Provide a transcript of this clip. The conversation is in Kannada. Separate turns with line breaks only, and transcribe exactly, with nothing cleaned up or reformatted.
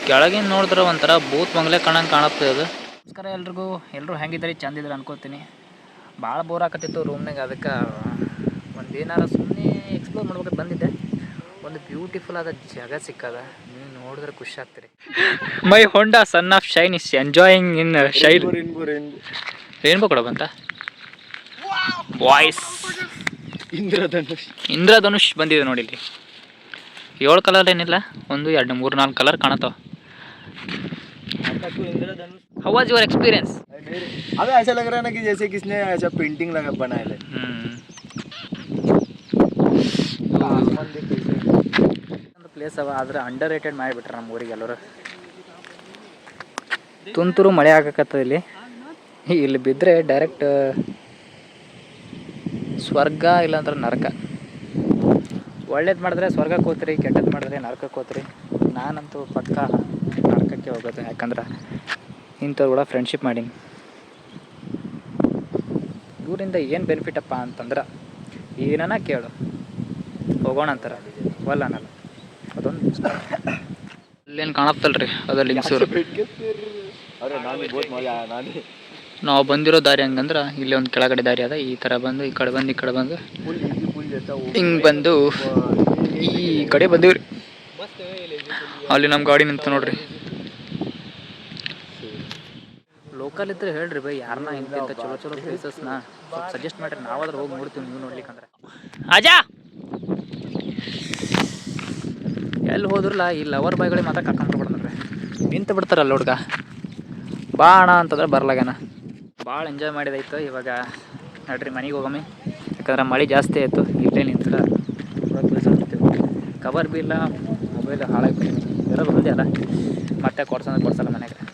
ಕೆಳಗಿನ ನೋಡಿದ್ರೆ ಒಂಥರ ಬೂತ್ ಬಂಗ್ಲೆ ಕಾಣಂಗೆ ಕಾಣುತ್ತೆ ಅದು. ನಮಸ್ಕಾರ ಎಲ್ರಿಗೂ. ಎಲ್ಲರೂ ಹೆಂಗಿದ್ರಿ? ಚಂದಿದ್ರೆ ಅನ್ಕೋತೀನಿ. ಭಾಳ ಬೋರ್ ಆಕತ್ತಿತ್ತು ರೂಮ್ನಾಗ. ಅದಕ್ಕೆ ಒಂದು ಏನಾರು ಸುಮ್ಮನೆ ಎಕ್ಸ್ಪ್ಲೋರ್ ಮಾಡ್ಬೇಕಂತ ಬಂದಿದ್ದೆ. ಒಂದು ಬ್ಯೂಟಿಫುಲ್ ಆದ ಜಾಗ ಸಿಕ್ಕದ. ನೀವು ನೋಡಿದ್ರೆ ಖುಷಿ ಆಗ್ತೀರಿ. My Honda son of Shine is enjoying in Shine. Rainbow ಕೂಡ ಬಂತ. ವಾಯ್ಸ್
ಇಂದ್ರಧನುಷ್
ಇಂದ್ರಧನುಷ್ ಬಂದಿದೆ ನೋಡಿ. ಇಲ್ಲಿ ಏಳು ಕಲರ್ ಏನಿಲ್ಲ, ಒಂದು ಎರಡು ಮೂರು ನಾಲ್ಕು ಕಲರ್ ಕಾಣತಾವ. How was your experience?
अबे ऐसा लग रहा है ना कि जैसे किसने ऐसा पेंटिंग लगा बनाया है.
ಒಂದು ಪ್ಲೇಸ್ ಅವ, ಆದ್ರೆ ಅಂಡರ್ ರೇಟೆಡ್ ಮಾಡಿಬಿಟ್ರೆ ನಮ್ಮ ಊರಿಗೆ ಎಲ್ಲರೂ. ತುಂತುರು ಮಳೆ ಆಗಕತ್ತದ ಇಲ್ಲಿ. ಇಲ್ಲಿ ಬಿದ್ದರೆ ಡೈರೆಕ್ಟ್ ಸ್ವರ್ಗ ಇಲ್ಲಾಂದ್ರೆ ನರಕ. ಒಳ್ಳೇದು ಮಾಡಿದ್ರೆ ಸ್ವರ್ಗಕ್ಕೆ ಹೋಗ್ತೀರಿ, ಕೆಟ್ಟದ್ದು ಮಾಡಿದ್ರೆ ನರಕಕ್ಕೆ ಹೋಗ್ತೀರಿ. ನಾನಂತೂ ಪಕ್ಕ ನರಕಕ್ಕೆ ಹೋಗೋದು. ಯಾಕಂದ್ರೆ ಇಂಥವ್ರು ಕೂಡ ಫ್ರೆಂಡ್ಶಿಪ್ ಮಾಡೀನಿ. ಇವರಿಂದ ಏನು ಬೆನಿಫಿಟಪ್ಪ ಅಂತಂದ್ರೆ ಏನನ ಕೇಳು ಹೋಗೋಣ ಅಂತಾರೆ, ಒಲ್ಲ ಅನ್ನಲ್ಲ. ಅದೊಂದು ಅಲ್ಲೇನು ಕಾಣತ್ತಲ್ರಿ, ಅದು ಲಿಂಗ್ಸೂರು. ನಾವು ಬಂದಿರೋ ದಾರಿ ಹಂಗಂದ್ರೆ ಇಲ್ಲಿ ಒಂದು ಕೆಳಗಡೆ ದಾರಿ ಅದ. ಈ ಥರ ಬಂದು ಈ ಕಡೆ ಬಂದು ಈ ಕಡೆ ಬಂದು ಹಿಂಗೆ ಬಂದು ಈ ಕಡೆ ಬಂದಿವ್ರಿ. ಅಲ್ಲಿ ನಮ್ಮ ಗಾಡಿ ನಿಂತು ನೋಡ್ರಿ. ಲೋಕಲ್ ಇದ್ರೆ ಹೇಳ್ರಿ ಬೈ, ಯಾರನ್ನ ಇಂಥ ಚಲೋ ಚಲೋ ಪ್ಲೇಸಸ್ನ ಸ್ವಲ್ಪ ಸಜೆಸ್ಟ್ ಮಾಡಿರಿ. ನಾವಾದ್ರೆ ಹೋಗಿ ನೋಡ್ತೀವಿ, ನೀವು ನೋಡ್ಲಿಕ್ಕಂದ್ರೆ. ಅಜಾ ಎಲ್ಲಿ ಹೋದ್ರಲ್ಲ ಈ ಲವರ್ ಬಾಯ್ಗಳಿಗೆ ಮಾತ್ರ ಕರ್ಕೊಂಡ್ಬಿಡ್ಬಿಡ್ರಿ. ನಿಂತು ಬಿಡ್ತಾರಲ್ಲ ಹುಡ್ಗ, ಬಾ ಅಣ್ಣ ಅಂತಂದ್ರೆ ಬರ್ಲಾಗೇನ. ಭಾಳ ಎಂಜಾಯ್ ಮಾಡಿದಾಯ್ತು. ಇವಾಗ ನಡ್ರಿ ಮನೆಗೆ ಹೋಗಮ್ಮಿ. ಯಾಕಂದ್ರೆ ಮಳೆ ಜಾಸ್ತಿ ಆಯಿತು. ಇಲ್ಲೇ ನಿಂತರ ಪೂರ ಕೆಲಸ ಮಾಡ್ತೀವಿ. ಕವರ್ ಬಿ ಇಲ್ಲ, ಮೊಬೈಲ್ ಹಾಳಾಗಿ ಇರೋದು ಒಂದೇ ಅಲ್ಲ, ಮತ್ತೆ ಕೊಡ್ಸಂದ್ರೆ ಕೊಡ್ಸಲ್ಲ ಮನೆಗೆ.